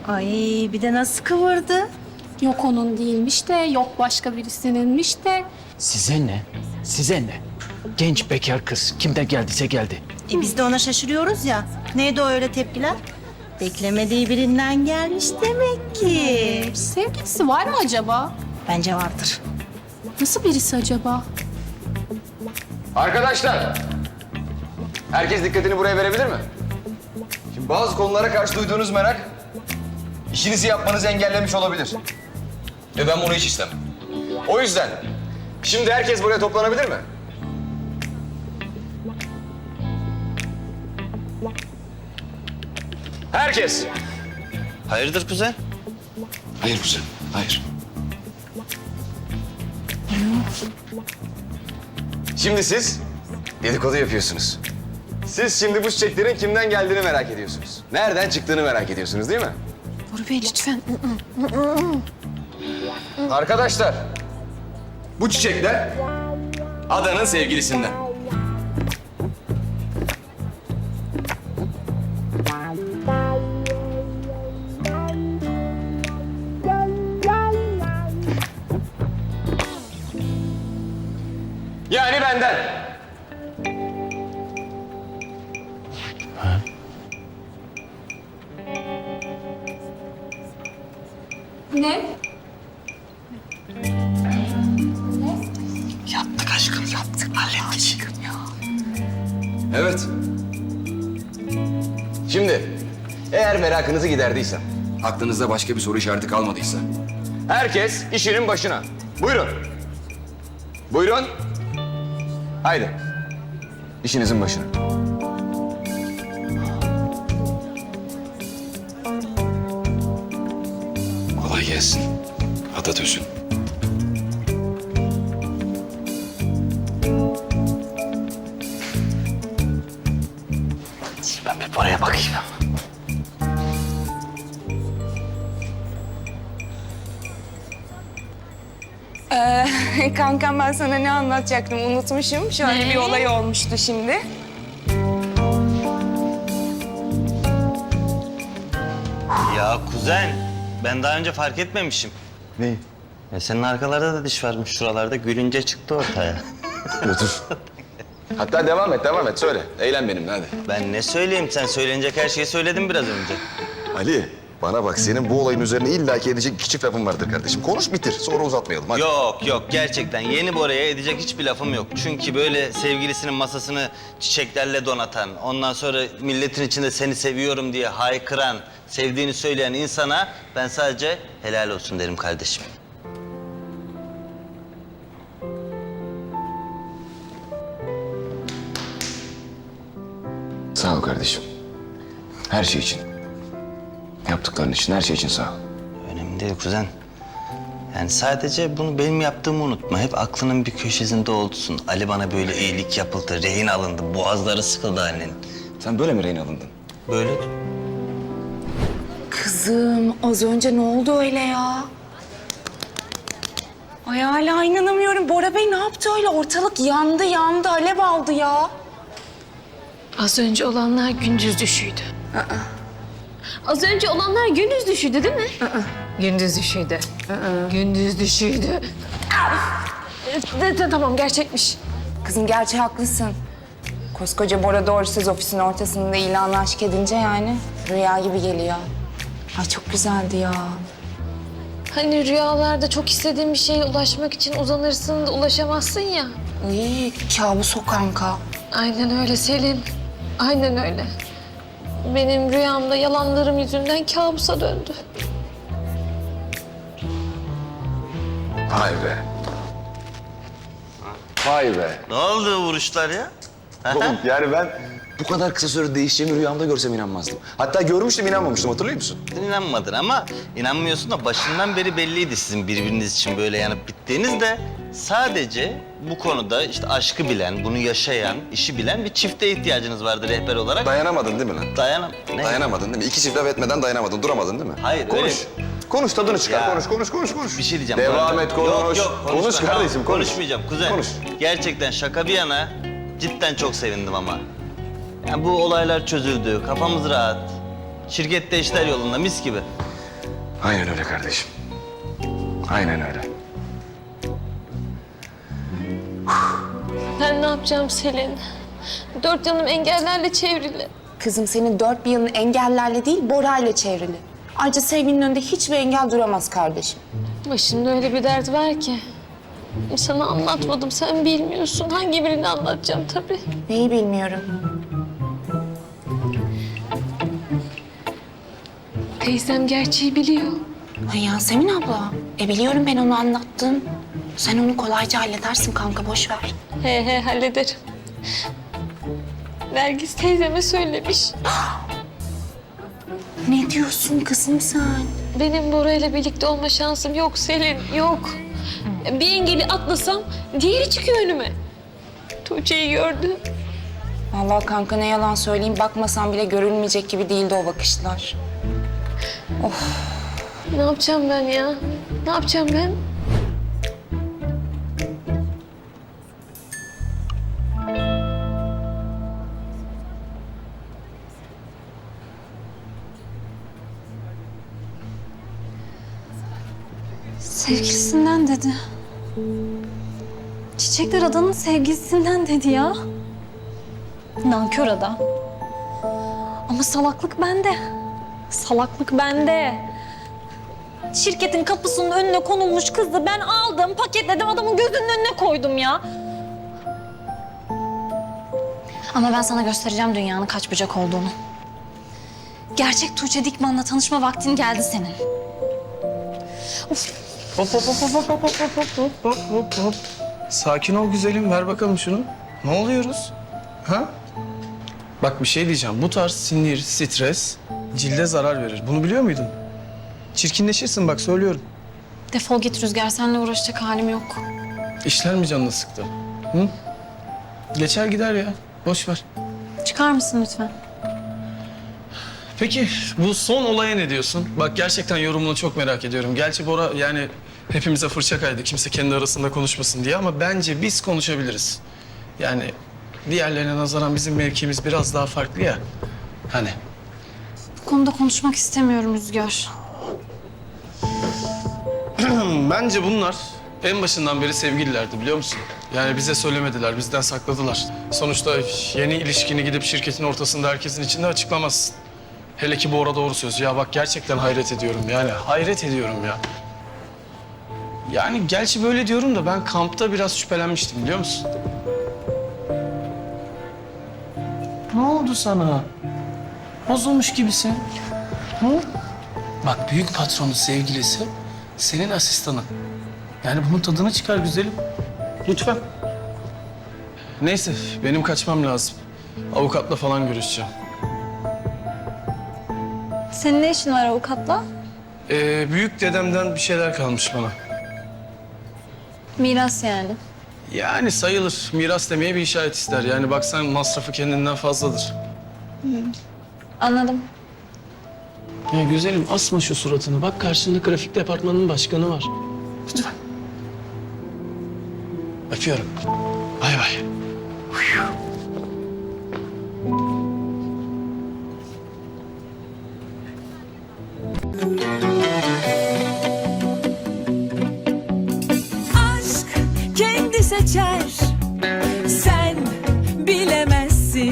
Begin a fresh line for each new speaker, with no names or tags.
Ay bir de nasıl kıvırdı?
Yok onun değilmiş de, yok başka birisininmiş de.
Size ne? Size ne? Genç bekar kız. Kimden geldiyse geldi.
Biz de ona şaşırıyoruz ya. Neydi o öyle tepkiler? Beklemediği birinden gelmiş demek ki.
Sevgilisi var mı acaba?
Bence vardır.
Nasıl birisi acaba?
Arkadaşlar, herkes dikkatini buraya verebilir mi? Şimdi bazı konulara karşı duyduğunuz merak, işinizi yapmanızı engellemiş olabilir. Ve ben bunu hiç istemem. O yüzden, şimdi herkes buraya toplanabilir mi? Herkes.
Hayırdır kuzen?
Hayır kuzen, hayır. Şimdi siz dedikodu yapıyorsunuz. Siz şimdi bu çiçeklerin kimden geldiğini merak ediyorsunuz. Nereden çıktığını merak ediyorsunuz değil mi?
Bora Bey lütfen.
Arkadaşlar, bu çiçekler Adanın sevgilisinden. Yani benden.
Ne?
Yaptık aşkım, yaptık. Hallettik.
Evet. Şimdi, eğer merakınızı giderdiysem, aklınızda başka bir soru işareti kalmadıysa, herkes işinin başına. Buyurun. Buyurun. Haydi. İşinizin başına. Kolay gelsin. Atatürk'ün.
Ben bir buraya bakayım.
Kankam ben sana ne anlatacaktım unutmuşum. Şöyle bir olay olmuştu şimdi.
Ya kuzen, ben daha önce fark etmemişim.
Ne?
Ya senin arkalarda da diş varmış şuralarda. Gülünce çıktı ortaya.
Otur. Hatta devam et. Söyle. Eğlen benimle hadi.
Ben ne söyleyeyim? Sen söylenecek her şeyi söyledin biraz önce.
Ali, bana bak senin bu olayın üzerine illaki edecek iki çift lafın vardır kardeşim. Konuş bitir, sonra uzatmayalım hadi.
Yok, gerçekten yeni Bora'ya edecek hiçbir lafım yok. Çünkü böyle sevgilisinin masasını çiçeklerle donatan, ondan sonra milletin içinde seni seviyorum diye haykıran, sevdiğini söyleyen insana ben sadece helal olsun derim kardeşim.
Sağ ol kardeşim. Her şey için. Yaptıkların için, her şey için sağ ol.
Önemli değil kuzen. Yani sadece bunu benim yaptığımı unutma. Hep aklının bir köşesinde olsun. Ali bana böyle iyilik yapıldı, rehin alındı, boğazları sıkıldı annenin.
Sen böyle mi rehin alındın?
Böyle.
Kızım az önce ne oldu öyle ya? Ay hala inanamıyorum. Bora Bey ne yaptı öyle? Ortalık yandı, alev aldı ya.
Az önce olanlar gündüz düşüydü. Az önce olanlar gündüz düşüydü değil mi? Gündüz düşüydü. Gündüz düşüydü. Tamam gerçekmiş.
Kızım gerçi haklısın. Koskoca Bora Doğru Söz ofisinin ortasında ilanla aşk edince yani rüya gibi geliyor. Ay çok güzeldi ya.
Hani rüyalarda çok istediğin bir şeye ulaşmak için uzanırsın da ulaşamazsın ya.
İyi kabus o kanka.
Aynen öyle Selin. Aynen öyle. Benim rüyamda yalanlarım yüzünden kabusa döndü.
Vay be. Vay be.
Ne oldu o vuruşlar ya?
Oğlum yani ben bu kadar kısa sürede değişeceğimi rüyamda görsem inanmazdım. Hatta görmüştüm inanmamıştım hatırlıyor musun?
Sen inanmadın ama inanmıyorsun da başından beri belliydi sizin birbiriniz için böyle yanıp bittiğiniz de sadece bu konuda işte aşkı bilen, bunu yaşayan, işi bilen bir çifte ihtiyacınız vardı rehber olarak.
Dayanamadın değil mi lan?
Ne?
Dayanamadın değil mi? İki çift laf etmeden dayanamadın, duramadın değil mi?
Hayır,
Konuş.
öyle-
Konuş, tadını çıkar.
Ya.
Konuş.
Bir şey diyeceğim.
Devam
bu arada.
et, konuş.
Yok,
Konuş
konuşma.
kardeşim, konuş.
Konuşmayacağım kuzen.
Konuş.
Gerçekten şaka bir yana cidden çok sevindim ama. Yani bu olaylar çözüldü, kafamız rahat. Şirkette işler yolunda mis gibi.
Aynen öyle kardeşim. Aynen öyle.
Ben ne yapacağım Selin? Dört yanım engellerle çevrili.
Kızım senin dört bir yanın engellerle değil Bora'yla çevrili. Ayrıca sevginin önünde hiçbir engel duramaz kardeşim.
Başımda öyle bir dert var ki. Sana anlatmadım, sen bilmiyorsun. Hangi birini anlatacağım tabii.
Neyi bilmiyorum.
Teyzem gerçeği biliyor.
Ay Yasemin abla. Biliyorum ben onu anlattım. Sen onu kolayca halledersin kanka boş ver.
He hallederim. Nergis teyzeme söylemiş.
Ne diyorsun kızım sen?
Benim Bora ile birlikte olma şansım yok Selin, yok. Bir engeli atlasam diğeri çıkıyor önüme. Tuğçe'yi gördü.
Vallahi kanka ne yalan söyleyeyim bakmasam bile görülmeyecek gibi değildi o bakışlar.
Ne yapacağım ben ya? Ne yapacağım ben?
Sevgilisinden dedi. Çiçekler adanın sevgilisinden dedi ya. Nankör adam. Ama salaklık bende. Salaklık bende. Şirketin kapısının önüne konulmuş kızı ben aldım, paketledim, adamın gözünün önüne koydum ya. Ama ben sana göstereceğim dünyanın kaç bucak olduğunu. Gerçek Tuğçe Dikman'la tanışma vaktin geldi senin.
Hop. Sakin ol güzelim, ver bakalım şunu. Ne oluyoruz? Ha? Bak bir şey diyeceğim. Bu tarz sinir, stres cilde zarar verir. Bunu biliyor muydun? Çirkinleşirsin bak söylüyorum.
Defol git Rüzgar, seninle uğraşacak halim yok.
İşler mi canını sıktı? Hı? Geçer gider ya. Boş ver.
Çıkar mısın lütfen?
Peki bu son olaya ne diyorsun? Bak gerçekten yorumunu çok merak ediyorum. Gerçi Bora yani hepimize fırça kaydı. Kimse kendi arasında konuşmasın diye ama bence biz konuşabiliriz. Yani diğerlerine nazaran bizim mevkimiz biraz daha farklı ya. Hani
Bu konuda konuşmak istemiyorum Rüzgar.
bence bunlar en başından beri sevgililerdi biliyor musun? Yani bize söylemediler, bizden sakladılar. Sonuçta yeni ilişkini gidip şirketin ortasında herkesin içinde açıklamazsın. Hele ki Bora doğru söz. Ya bak gerçekten hayret ediyorum yani. Hayret ediyorum ya. Yani gerçi böyle diyorum da ben kampta biraz şüphelenmiştim biliyor musun? Ne oldu sana? Bozulmuş gibisin. Hı? Bak büyük patronun sevgilisi senin asistanın. Yani bunun tadını çıkar güzelim. Lütfen. Neyse benim kaçmam lazım. Avukatla falan görüşeceğim.
Senin ne işin var avukatla?
Büyük dedemden bir şeyler kalmış bana.
Miras yani.
Yani sayılır. Miras demeye bir işaret ister. Yani baksan masrafı kendinden fazladır.
Anladım.
Ya güzelim asma şu suratını. Bak karşında grafik departmanının başkanı var. Lütfen. Öpüyorum.